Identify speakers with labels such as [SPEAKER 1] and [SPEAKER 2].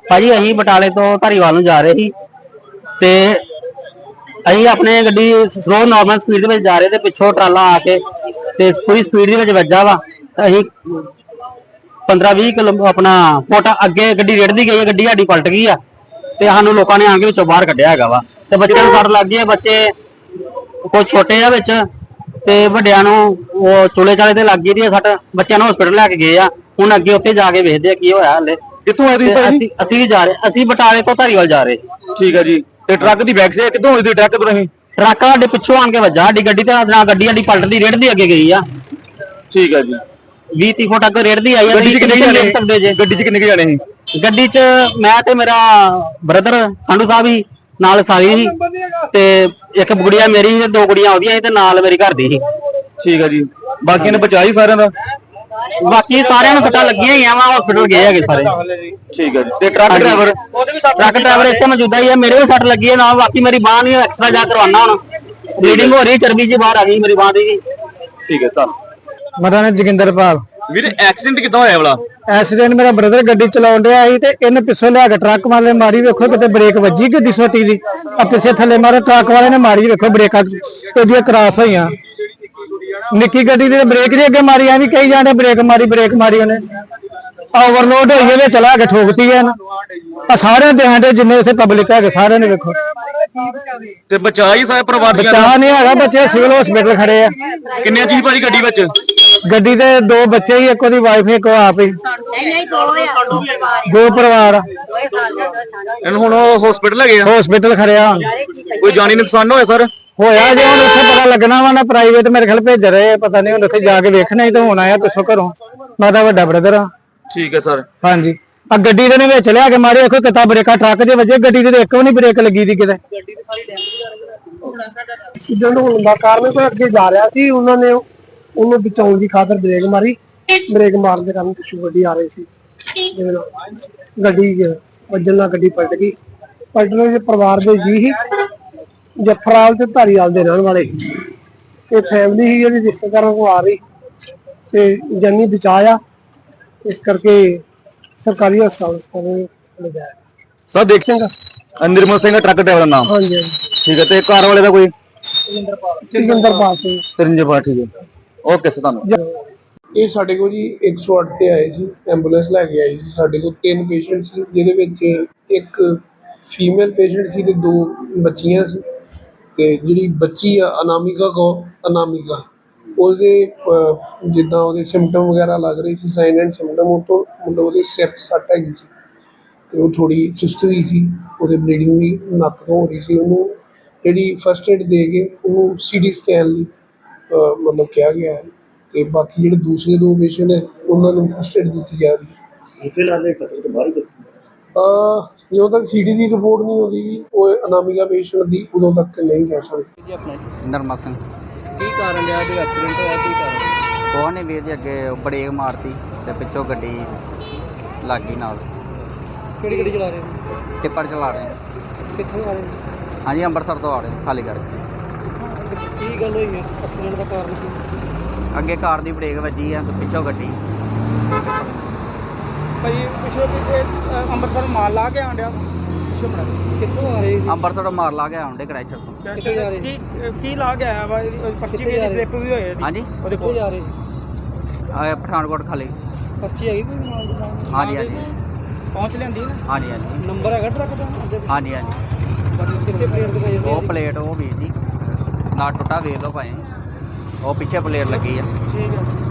[SPEAKER 1] ਭਾਜੀ ਅਸੀਂ ਬਟਾਲੇ ਤੋਂ ਧਾਰੀਵਾਲ ਨੂੰ ਜਾ ਰਹੇ ਸੀ ਤੇ ਅਸੀਂ ਆਪਣੇ ਗੱਡੀ ਸਲੋ ਨਾਰਮਲ ਸਪੀਡ ਦੇ ਵਿੱਚ ਜਾ ਰਹੇ ਤੇ ਪਿੱਛੋਂ ਟਰਾਲਾ ਆ ਕੇ ਤੇ ਪੂਰੀ ਸਪੀਡ ਦੇ ਵਿੱਚ ਵੱਜਾ ਵਾ। ਅਸੀਂ 15-20 ਕਿਲੋ ਆਪਣਾ ਫੁੱਟ ਅੱਗੇ ਗੱਡੀ ਰੇੜਦੀ ਗਈ, ਗੱਡੀ ਸਾਡੀ ਪਲਟ ਗਈ ਆ ਤੇ ਸਾਨੂੰ ਲੋਕਾਂ ਨੇ ਆ ਕੇ ਵਿੱਚੋਂ ਬਾਹਰ ਕੱਢਿਆ ਹੈਗਾ ਵਾ। ਤੇ ਬੱਚਿਆਂ ਨੂੰ ਸੱਟ ਲੱਗ ਗਈ ਹੈ, ਬੱਚੇ ਕੁਝ ਛੋਟੇ ਆ ਵਿੱਚ ਤੇ ਵੱਡਿਆਂ ਨੂੰ ਉਹ ਚੁਲੇ ਚਾਲੇ ਤੇ ਲੱਗ ਗਈ ਦੀ ਸੱਟ। ਬੱਚਿਆਂ ਨੂੰ ਹਸਪੀਟਲ ਲੈ ਕੇ ਗਏ ਆ, ਹੁਣ ਅੱਗੇ ਉੱਥੇ ਜਾ ਕੇ ਵੇਖਦੇ ਆ ਕੀ ਹੋਇਆ। ਹਲੇ
[SPEAKER 2] ਕਿੱਥੋਂ ਆਏ ਤੁਸੀਂ?
[SPEAKER 1] ਅਸੀਂ ਵੀ ਜਾ ਰਹੇ, ਅਸੀਂ ਬਟਾਲੇ ਤੋਂ ਧਾਰੀਵਾਲ ਜਾ ਰਹੇ।
[SPEAKER 2] ਠੀਕ ਹੈ ਜੀ। ਤੇ ਟਰੱਕ ਦੀ ਬੈਕ ਸਾਈਡ ਕਿੱਥੋਂ ਹੋਈ ਸੀ? ਟਰੱਕ ਤੋਂ ਨਹੀਂ,
[SPEAKER 1] ਟਰੱਕ ਸਾਡੇ ਪਿੱਛੋਂ ਆਣ ਕੇ ਵੱਜਾ ਸਾਡੀ ਗੱਡੀ ਤੇ, ਨਾ ਗੱਡੀ ਸਾਡੀ ਪਲਟਦੀ ਰੇੜਦੀ ਅੱਗੇ ਗਈ ਆ।
[SPEAKER 2] ਠੀਕ ਹੈ ਜੀ।
[SPEAKER 1] 20-30 ਫੁੱਟ ਅੱਗੇ ਰੇੜਦੀ ਆਈ ਆ।
[SPEAKER 2] ਗੱਡੀ 'ਚ ਕਿੰਨੇ ਜਾਣੇ
[SPEAKER 1] ਦੇਖ ਸਕਦੇ ਜੇ?
[SPEAKER 2] ਗੱਡੀ 'ਚ ਕਿੰਨੇ ਜਾਣੇ ਸੀ?
[SPEAKER 1] ਗੱਡੀ 'ਚ ਮੈਂ ਤੇ ਮੇਰਾ ਬ੍ਰਦਰ ਸੰਧੂ ਸਾਹਿਬ ਹੀ ਨਾਲ ਸਾਰੀ ਸੀ ਤੇ ਇੱਕ ਗੁੜੀਆ ਮੇਰੀ ਸੀ, 2 ਗੁੜੀਆਂ ਉਹਦੀਆਂ ਸੀ ਤੇ ਨਾਲ ਮੇਰੀ ਘਰ ਦੀ ਸੀ।
[SPEAKER 2] ਠੀਕ ਹੈ ਜੀ। ਬਾਕੀਆਂ ਨੇ ਬਚਾਈ ਸਾਰਿਆਂ ਦਾ?
[SPEAKER 1] ਬਾਕੀ ਸਾਰਿਆਂ ਨੂੰ ਸੱਟਾਂ ਲੱਗੀਆਂ ਹੀ ਆ ਵਾ, ਹਸਪੀਟਲ ਗਏ ਹੈਗੇ ਸਾਰੇ।
[SPEAKER 2] ਠੀਕ ਹੈ ਜੀ। ਤੇ ਟਰੱਕ
[SPEAKER 1] ਡਰਾਈਵਰ ਇੱਥੇ ਮੌਜੂਦਾ ਹੀ ਆ, ਮੇਰੇ ਵੀ ਸੱਟ ਲੱਗੀ ਹੈ ਨਾ। ਬਾਕੀ ਮੇਰੀ ਬਾਂਹ ਨਹੀਂ, ਐਕਸਟਰਾ ਜਾ ਕਰਵਾਉਣਾ ਹੁਣ। ਬਲੀਡਿੰਗ ਹੋ ਰਹੀ, ਚਰਬੀ ਜੀ ਬਾਹਰ ਆ ਗਈ ਮੇਰੀ ਬਾਂਹ ਦੀ।
[SPEAKER 2] ਠੀਕ ਹੈ। ਤਾਂ
[SPEAKER 3] ਮੇਰਾ ਨਾਮ ਜੋਗਿੰਦਰਪਾਲ।
[SPEAKER 2] ਵੀਰ ਐਕਸੀਡੈਂਟ ਕਿੱਦਾਂ ਹੋਇਆ ਵਾਲਾ?
[SPEAKER 3] ਐਕਸੀਡੈਂਟ ਮੇਰਾ ਬ੍ਰਦਰ ਗੱਡੀ ਚਲਾਉਣ ਡਿਆ ਸੀ ਤੇ ਇਹਨੇ ਪਿੱਛੋਂ ਲਿਆ ਕੇ ਟਰੱਕ ਵਾਲੇ ਮਾਰੀ, ਵੇਖੋ ਕਿਤੇ ਬ੍ਰੇਕ ਵੱਜੀ ਗੱਡੀ ਛੋਟੀ ਦੀ, ਆ ਪਿੱਛੇ ਥੱਲੇ ਮਾਰੇ ਟਰੱਕ ਵਾਲੇ ਨੇ ਮਾਰੀ, ਵੇਖੋ ਬ੍ਰੇਕਾਂ ਉਹਦੀਆਂ ਕ੍ਰਾਸ ਹੋਈਆਂ। ਨਿੱਕੀ ਗੱਡੀ ਦੀ ਬ੍ਰੇਕ ਨਹੀਂ ਅੱਗੇ ਮਾਰੀ, ਐਵੇਂ ਕਹੀ ਜਾਂਦੇ ਬ੍ਰੇਕ ਮਾਰੀ ਉਹਨੇ। ਓਵਰਲੋਡ ਹੋਈ ਇਹਦੇ ਚਲਾ ਕੇ ਠੋਕਤੀ ਹੈ ਨਾ। ਆ ਸਾਰਿਆਂ ਦੇ ਹੰਡੇ ਜਿੰਨੇ ਉੱਥੇ ਪਬਲਿਕ ਹੈਗੇ ਸਾਰਿਆਂ ਨੇ ਵੇਖੋ।
[SPEAKER 2] ਤੇ ਬਚਾਈ ਸਾਰੇ ਪਰਿਵਾਰ ਦੀਆਂ?
[SPEAKER 3] ਬਚਾ ਨਹੀਂ ਹੈਗਾ, ਬੱਚੇ ਸਿਵਲ ਹਸਪੀਟਲ ਖੜੇ ਆ।
[SPEAKER 2] ਕਿੰਨੇ ਜੀ ਭਾਜੀ ਗੱਡੀ ਵਿੱਚ?
[SPEAKER 3] ਗੱਡੀ ਦੇ 2 ਬੱਚੇ ਹੀ, ਇੱਕ ਉਹਦੀ ਵਾਈਫ, ਇੱਕ ਉਹ ਆਪ ਹੀ।
[SPEAKER 4] ਨਹੀਂ 2
[SPEAKER 3] 2 ਪਰਿਵਾਰ ਆ।
[SPEAKER 2] ਇਹਨੂੰ ਹੁਣ ਹਸਪੀਟਲ ਲੈ ਗਏ ਆ?
[SPEAKER 3] ਹਸਪੀਟਲ ਖੜਿਆ ਹੁਣ।
[SPEAKER 2] ਕੋਈ ਜਾਨੀ ਨੁਕਸਾਨ ਹੋਇਆ ਸਰ?
[SPEAKER 3] ਹੋਇਆ ਜੇ ਹੁਣ ਉੱਥੇ ਪਤਾ ਲੱਗਣਾ ਵਾ ਨਾ, ਪ੍ਰਾਈਵੇਟ ਮੇਰੇ ਖਿਆਲ ਭੇਜ ਰਹੇ, ਪਤਾ ਨਹੀਂ ਹੁਣ ਉੱਥੇ ਜਾ ਕੇ ਵੇਖਣਾ ਹੀ ਤਾਂ ਹੋਣਾ ਆ ਪਿੱਛੋਂ ਘਰੋਂ। ਮੈਂ ਤਾਂ ਵੱਡਾ ਬ੍ਰਦਰ ਆ।
[SPEAKER 2] ਠੀਕ ਹੈ ਸਰ।
[SPEAKER 3] ਹਾਂਜੀ। ਆ ਗੱਡੀ ਦੇ ਨੇ ਵਿੱਚ ਲਿਆ ਕੇ ਮਾਰੇ, ਦੇਖੋ ਕਿਤਾ ਬ੍ਰੇਕਾਂ ਟਰੱਕ ਦੇ ਵਜੇ, ਗੱਡੀ ਦੇ ਇੱਕ ਵੀ ਨਹੀਂ ਬ੍ਰੇਕ ਲੱਗੀ ਦੀ ਕਿਤੇ।
[SPEAKER 5] ਐਕਸੀਡੈਂਟ ਹੋਣ ਦਾ ਕਾਰਨ ਕੋਈ ਅੱਗੇ ਜਾ ਰਿਹਾ ਸੀ, ਉਹਨਾਂ ਨੇ ਉਹਨੂੰ ਬਚਾਉਣ ਦੀ ਖਾਤਰ ਬ੍ਰੇਕ ਮਾਰੀ। ਬ੍ਰੇਕ ਮਾਰਨ ਦੇ ਕਾਰਨ ਪਿੱਛੋਂ ਗੱਡੀ ਆ ਰਹੀ ਸੀ, ਗੱਡੀ ਵੱਜਣ ਨਾਲ ਗੱਡੀ ਪਲਟ ਗਈ। ਪਲਟਣ ਦੇ ਪਰਿਵਾਰ ਦੇ ਜੀ ਹੀ ਜਫਰਾਲ ਤੇ ਧਾਰੀਵਾਲ ਦੇ ਰਹਿਣ ਵਾਲੇ ਤੇ ਫੈਮਿਲੀ ਹੀ ਜਿਹੜੀ ਰਿਸ਼ਤੇਦਾਰਾਂ ਕੋਲ ਆ ਰਹੀ ਤੇ ਜਾਨੀ ਬਚਾਇਆ, ਇਸ ਕਰਕੇ ਸਰਕਾਰੀ ਹਸਪਤਾਲ ਲਿਜਾਇਆ।
[SPEAKER 2] ਸਰ ਦੇਖ ਸਿੰਘ ਨਿਰਮਲ ਸਿੰਘ ਟਰੱਕ ਡਰਾਈਵਰ ਦਾ ਨਾਮ?
[SPEAKER 5] ਹਾਂਜੀ ਹਾਂਜੀ।
[SPEAKER 2] ਠੀਕ ਹੈ। ਤੇ ਕਾਰ ਵਾਲੇ ਦਾ ਕੋਈ?
[SPEAKER 5] ਜੋਗਿੰਦਰਪਾਲ ਸਿੰਘ।
[SPEAKER 2] ਤਰਿੰਜਪਾਲ। ਠੀਕ ਹੈ। ਓਕੇ ਸਰ, ਧੰਨਵਾਦ।
[SPEAKER 5] ਇਹ ਸਾਡੇ ਕੋਲ ਜੀ 108 ਤੇ ਆਏ ਸੀ, ਐਂਬੂਲੈਂਸ ਲੈ ਕੇ ਆਈ ਸੀ। ਸਾਡੇ ਕੋਲ 3 ਪੇਸ਼ੈਂਟ ਸੀ, ਜਿਹਦੇ ਵਿੱਚ ਇੱਕ ਫੀਮੇਲ ਪੇਸ਼ੈਂਟ ਸੀ ਤੇ 2 ਬੱਚੀਆਂ ਸੀ। ਤੇ ਜਿਹੜੀ ਬੱਚੀ ਆ ਅਨਾਮਿਕਾ ਉਹਦੇ ਜਿੱਦਾਂ ਉਹਦੇ ਸਿੰਪਟਮ ਵਗੈਰਾ ਲੱਗ ਰਹੇ ਸੀ, ਸਾਈਨ ਐਂਡ ਸਿੰਪਟਮ, ਉਹ ਤੋਂ ਮਤਲਬ ਉਹਦੇ ਸਿਰ 'ਚ ਸੱਟ ਹੈਗੀ ਸੀ ਤੇ ਉਹ ਥੋੜੀ ਸੁਸਤ ਵੀ ਸੀ, ਉਹਦੇ ਬਲੀਡਿੰਗ ਵੀ ਨੱਕ ਤੋਂ ਹੋ ਰਹੀ ਸੀ। ਉਹਨੂੰ ਜਿਹੜੀ ਫਸਟ ਏਡ ਦੇ ਕੇ ਉਹਨੂੰ CT ਸਕੈਨ ਲਈ ਮਤਲਬ ਕਿਹਾ ਗਿਆ ਹੈ। ਤੇ ਬਾਕੀ ਜਿਹੜੇ ਦੂਸਰੇ 2 ਪੇਸ਼ੈਂਟ ਹੈ ਉਹਨਾਂ ਨੂੰ ਫਸਟ ਏਡ ਦਿੱਤੀ ਜਾ ਰਹੀ ਹੈ।
[SPEAKER 6] ਫਿਲਹਾਲ ਖਤਰੇ ਤੋਂ ਬਾਹਰ ਦੱਸੀ
[SPEAKER 5] ਜਦੋਂ ਤੱਕ CT ਦੀ ਰਿਪੋਰਟ ਨਹੀਂ ਆਉਂਦੀ, ਉਹ ਅਨਾਮਿਕਾ ਪੇਸ਼ੈਂਟ ਦੀ, ਉਦੋਂ ਤੱਕ ਨਹੀਂ ਕਹਿ ਸਕਦੇ।
[SPEAKER 7] ਨਰਮਾ ਸਿੰਘ।
[SPEAKER 8] ਕੀ ਕਾਰਨ ਰਿਹਾ ਜੋ ਐਕਸੀਡੈਂਟ ਹੋਇਆ? ਕੀ ਕਾਰਨ?
[SPEAKER 7] ਕੋਹ ਨੇ ਵੀਰ ਜੀ ਅੱਗੇ ਬ੍ਰੇਕ ਮਾਰਤੀ ਤੇ ਪਿੱਛੋਂ ਗੱਡੀ ਲੱਗ ਗਈ ਨਾਲ।
[SPEAKER 8] ਕਿਹੜੀ ਗੱਡੀ ਚਲਾ ਰਹੇ ਹੋ?
[SPEAKER 7] ਟਿੱਪਰ ਚਲਾ ਰਹੇ ਹਾਂ।
[SPEAKER 8] ਕਿੱਥੋਂ ਆ ਰਹੇ ਹੋ?
[SPEAKER 7] ਹਾਂਜੀ, ਅੰਮ੍ਰਿਤਸਰ ਤੋਂ ਆ ਰਹੇ ਖਾਲੀ ਕਰਕੇ।
[SPEAKER 8] ਕੀ ਗੱਲ ਹੋਈ ਹੈ? ਐਕਸੀਡੈਂਟ ਦਾ ਕਾਰਨ ਕੀ?
[SPEAKER 7] ਅੱਗੇ ਕਾਰ ਦੀ ਬ੍ਰੇਕ ਵੱਜੀ ਆ ਤੇ ਪਿੱਛੋਂ ਗੱਡੀ।
[SPEAKER 8] ਭਾਈ ਪਿੱਛੋਂ ਅੰਮ੍ਰਿਤਸਰ ਮਾਲ ਲਾ ਕੇ ਆਂਡਿਆ ਪਿੱਛੋਂ ਬਣਾ ਕਿੱਥੋਂ ਆ ਰਹੇ ਸੀ?
[SPEAKER 7] ਅੰਮ੍ਰਿਤਸਰ ਮਾਰ ਲਾ ਕੇ ਆਉਂਦੇ ਕ੍ਰੈਸ਼ਰ ਤੋਂ।
[SPEAKER 8] ਕਿੱਥੇ ਜਾ ਰਹੇ? ਕੀ ਲਾ ਕੇ ਆਇਆ ਵਾ? ਪਰਚੀ ਵੀ ਇਹਦੀ ਸਲਿੱਪ ਵੀ ਹੋਈ।
[SPEAKER 7] ਹਾਂਜੀ,
[SPEAKER 8] ਉਹ ਦੇਖੋ ਜਾ ਰਹੇ
[SPEAKER 7] ਪਠਾਨਕੋਟ ਖਾਲੀ।
[SPEAKER 8] ਪਰਚੀ ਹੈਗੀ ਕੋਈ ਮਾਲ ਦੀ?
[SPEAKER 7] ਹਾਂਜੀ ਹਾਂਜੀ
[SPEAKER 8] ਪਹੁੰਚ ਲੈਂਦੀ ਨਾ?
[SPEAKER 7] ਹਾਂਜੀ ਹਾਂਜੀ
[SPEAKER 8] ਨੰਬਰ ਹੈਗਾ ਟਰੱਕ ਦਾ?
[SPEAKER 7] ਹਾਂਜੀ ਹਾਂਜੀ।
[SPEAKER 8] ਕਿੱਥੇ ਪਲੇਟ ਦਿਖਾਈ?
[SPEAKER 7] ਉਹ ਪਲੇਟ ਉਹ ਵੀਰ ਜੀ ਨਾ ਟੁੱਟਾ ਵੇਖ ਲਓ ਭਾਵੇਂ, ਉਹ ਪਿੱਛੇ ਪਲੇਟ ਲੱਗੀ ਆ।
[SPEAKER 8] ਠੀਕ ਹੈ।